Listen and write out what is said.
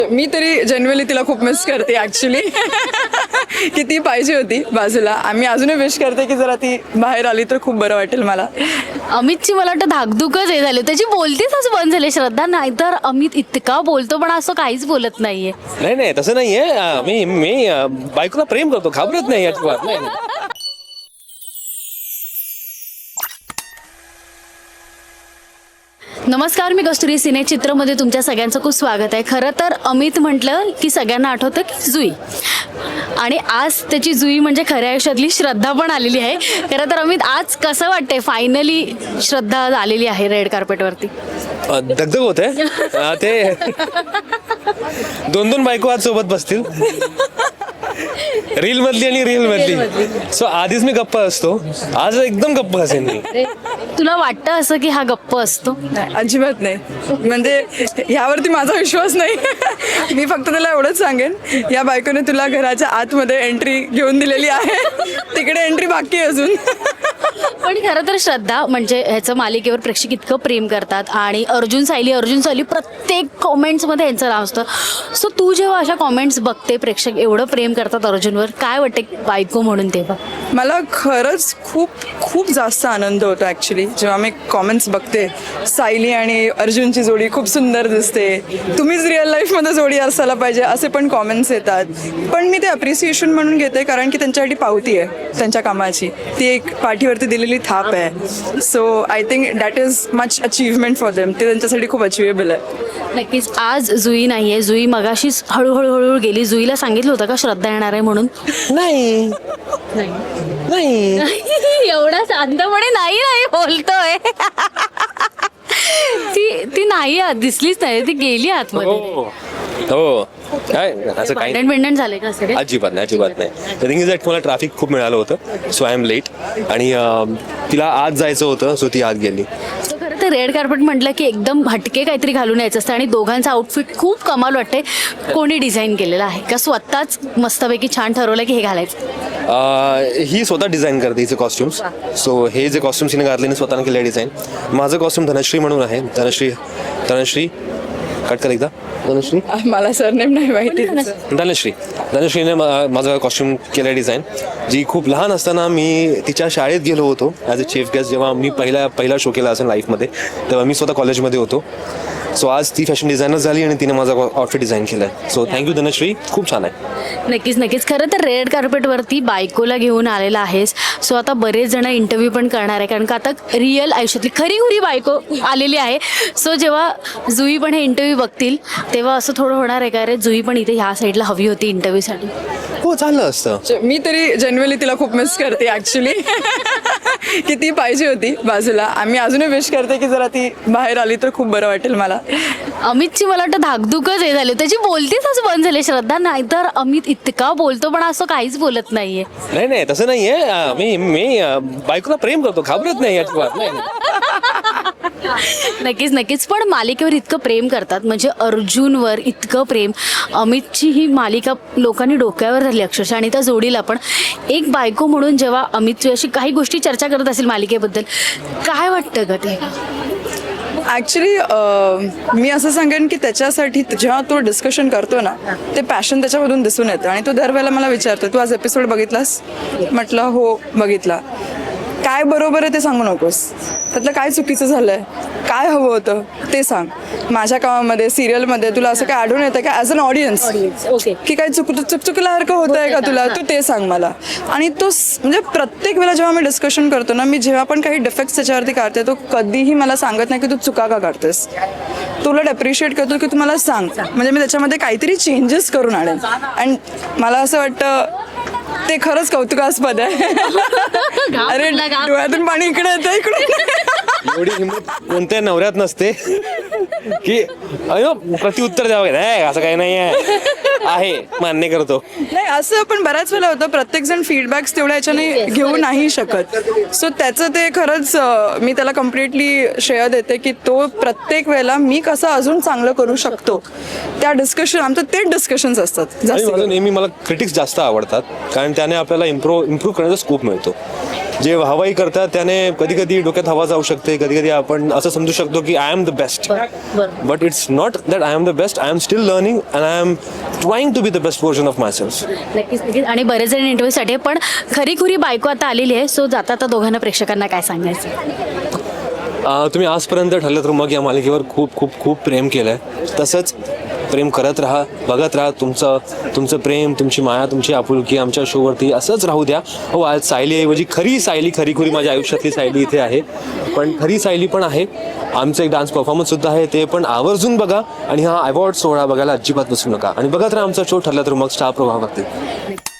मी तरी जनरली तिला खूप मिस करते ॲक्च्युली. की ती पाहिजे होती बाजूला. आम्ही अजूनही विश करते की जरा ती बाहेर आली तर खूप बरं वाटेल मला. अमितची मला वाटतं धाकधुकच हे झाली, त्याची बोलतीच असं बंद झाली श्रद्धा. नाहीतर अमित इतका बोलतो पण असं काहीच बोलत नाहीये. नाही नाही तसं नाहीये. मी बायकोला प्रेम करतो, घाबरत नाही अजिबात. नाही नमस्कार, मी कस्तुरी सिने चित्रमध्ये तुमच्या सगळ्यांचं खूप स्वागत आहे. खरं तर अमित म्हटलं की सगळ्यांना आठवतं की जुई, आणि आज त्याची जुई म्हणजे खऱ्या आयुष्यातली श्रद्धा पण आलेली आहे. खरं तर अमित, आज कसं वाटतंय फायनली श्रद्धा आलेली आहे रेड कार्पेटवरती? दगदग होते ते. दोन बायको आज सोबत बसतील, रील मधली आणि रील मधली. सो आधीच मी गप्प असतो, आज एकदम गप्प असेल मी. तुला वाटतं असं की हा गप्प असतो? नाही, अजिबात नाही. म्हणजे ह्यावरती माझा विश्वास नाही. मी फक्त तुला एवढंच सांगेन, या बायकोने तुला घराच्या आतमध्ये एंट्री घेऊन दिलेली आहे, तिकडे एंट्री बाकी आहे अजून. पण खरं तर श्रद्धा म्हणजे ह्याचं मालिकेवर प्रेक्षक इतकं प्रेम करतात, आणि अर्जुन सायली प्रत्येक कॉमेंट्समध्ये यांचं नाव असतं. सो तू जेव्हा अशा कॉमेंट्स बघते, प्रेक्षक एवढं प्रेम करतात अर्जुनवर, काय वाटते बायको म्हणून तेव्हा? मला खरंच खूप खूप जास्त आनंद होतो ॲक्च्युली जेव्हा मी कॉमेंट्स बघते. सायली आणि अर्जुनची जोडी खूप सुंदर दिसते, तुम्हीच रिअल लाईफमध्ये जोडी असायला पाहिजे, असे पण कॉमेंट्स येतात. पण मी ते अप्रिसिएशन म्हणून घेते, कारण की त्यांच्यासाठी पावती आहे त्यांच्या कामाची, ती एक पाठीवरती दिलेली थाप आहे. So I think that is much achievement for them. ते त्यांच्यासाठी खूप अचिवेबल आहे. नक्कीच. आज जुई नाहीये, जुई मगाशीच हळूहळू गेली. जुईला सांगितलं होतं का श्रद्धा येणार आहे म्हणून? नाही नाही एवढा शांतपणे नाही बोलतोय. ती नाही दिसलीच नाही, ती गेली आतमध्ये. हो काय असं काही भांडण झाले का सगळे? अजिबात नाही. द थिंग इज दॅट मला ट्रॅफिक खूप मिळालं होतं, सो आय एम लेट. आणि तिला आज जायचं होतं, सो ती आत गेली. सो खरं तर रेड कार्पेट म्हटलं की एकदम हटके काहीतरी घालून यायचं असतं, आणि दोघांचं आउटफिट खूप कमाल वाटते. कोणी डिझाईन केलेलं आहे का स्वतःच मस्तपैकी छान ठरवलं की हे घालायचं? ही स्वतः डिझाईन करते हिचे कॉस्ट्युम्स. सो हे जे कॉस्ट्युम्स हिने घातले स्वतःने केले डिझाईन. माझं कॉस्ट्युम धनश्री म्हणून आहे. धनश्री कट कर एकदा. धनश्री, मला सरनेम नाही माहिती. धनश्रीने माझं कॉस्ट्युम केलं डिझाईन. जी खूप लहान असताना मी तिच्या शाळेत गेलो होतो ॲज अ चीफ गेस्ट. जेव्हा मी पहिला शो केला असेल लाईफमध्ये, तेव्हा मी स्वतः कॉलेजमध्ये होतो. सो आज ती फॅशन डिझायनर झाली आणि तिने माझा आउटफिट डिझाईन केला आहे. सो थँक्यू धनश्री, खूप छान आहे. नक्कीच. खरं तर रेड कार्पेटवरती बायकोला घेऊन आलेला आहेस. सो आता बरेच जण इंटरव्ह्यू पण करणार आहे, कारण का आता रिअल आयुष्यातली खरी बायको आलेली आहे. सो जेव्हा जुई पण हे इंटरव्ह्यू बघतील, तेव्हा असं थोडं होणार आहे का, रे जुई पण इथे ह्या साईडला हवी होती इंटरव्ह्यूसाठी? हो, चाललं असतं. मी तरी जनरली तिला खूप मिस करते ॲक्च्युली. की ती पाहिजे होती बाजूला. आम्ही अजूनही विश करते की जरा ती बाहेर आली तर खूप बरं वाटेल मला. अमितची मला वाटतं धाकधुकच हे झाली, त्याची बोलतीच असं बंद झाली श्रद्धा. नाहीतर अमित इतका बोलतो पण असं काहीच बोलत नाहीये. नाही तसं नाहीये. मी बायकोला प्रेम करतो, घाबरत नाही अजिबात. नाही नक्कीच. पण मालिकेवर इतकं प्रेम करतात, म्हणजे अर्जुनवर इतकं प्रेम. अमितची ही मालिका लोकांनी डोक्यावर धरली अक्षरशः, आणि त्या जोडीला पण एक बायको म्हणून जेव्हा अमितची अशी काही गोष्टी चर्चा करत असेल मालिकेबद्दल, काय वाटतं का ते? ॲक्च्युली मी असं सांगेन की त्याच्यासाठी जेव्हा तो डिस्कशन करतो ना, ते पॅशन त्याच्यामधून दिसून येतं. आणि तो दरवेळेला मला विचारतो, तू आज एपिसोड बघितलास? म्हटलं हो बघितला. काय बरोबर आहे ते सांगू नकोस, त्यातलं काय चुकीचं झालं आहे, काय हवं होतं ते सांग. माझ्या कामामध्ये, सिरियलमध्ये तुला असं काय आढळून येतं का ॲज अन ऑडियन्स, की काही चुकल्यासारखं होतं आहे का तुला, तू ते सांग मला. आणि तो म्हणजे प्रत्येक वेळेला जेव्हा मी डिस्कशन करतो ना, मी जेव्हा पण काही डिफेक्ट्स त्याच्यावरती काढते, तो कधीही मला सांगत नाही की तू चुका का काढतेस. तुला अप्रिशिएट करतो की तू मला सांग, म्हणजे मी त्याच्यामध्ये काहीतरी चेंजेस करून आणेन. आणि मला असं वाटतं ते खरंच कौतुकास्पद आहे. अरे डोळ्यातून पाणी इकडे येतं, इकडे. एवढी हिंमत कोणत्या नवऱ्यात नसते की अयो प्रत्युत्तर द्यावं. नाही असं काही नाही आहे, मान्य करतो. नाही, असं पण बऱ्याच वेळेला होतं, प्रत्येक जण फीडबॅक्स तेवढ्या याच्याने घेऊ नाही शकत. सो त्याचं ते खरंच मी त्याला कम्प्लिटली श्रेय देते की तो प्रत्येक वेळेला मी कसं अजून चांगलं करू शकतो, त्या डिस्कशन, आमचं तेच डिस्कशन्स असतात जास्त. नेहमी मला क्रिटिक्स जास्त आवडतात, कारण त्याने आपल्याला इम्प्रूव्ह करण्याचा स्कोप मिळतो. जे हवाई करतात त्याने कधी कधी डोक्यात हवा जाऊ शकते, कधी कधी आपण असं समजू शकतो की I am the best, but it's not that I am the best. I am still learning and I am trying to be the best version of myself. नक्कीच नक्कीच. आणि बरेच जण इंटरव्ह्यूसाठी पण खरी बायको आता आलेली आहे. सो जाता आता दोघांना प्रेक्षकांना काय सांगायचं? तुम्ही आजपर्यंत ठरलं तर मग या मालिकेवर खूप खूप खूप प्रेम केलं आहे. तसंच प्रेम करत राहा, बघत राहा. तुमचं प्रेम, तुमची माया, तुमची आपुलकी आमच्या शोवरती असंच राहू द्या. हो, आज सायलीऐवजी खरी खुरी माझ्या आयुष्यातली सायली इथे आहे, पण खरी सायली पण आहे. आमचं एक डान्स परफॉर्मन्ससुद्धा आहे, ते पण आवर्जून बघा. आणि हा अवॉर्ड सोहळा बघायला अजिबात विसरू नका. आणि बघत राहा आमचा शो ठरला तर मग स्टार प्रभाव बघते.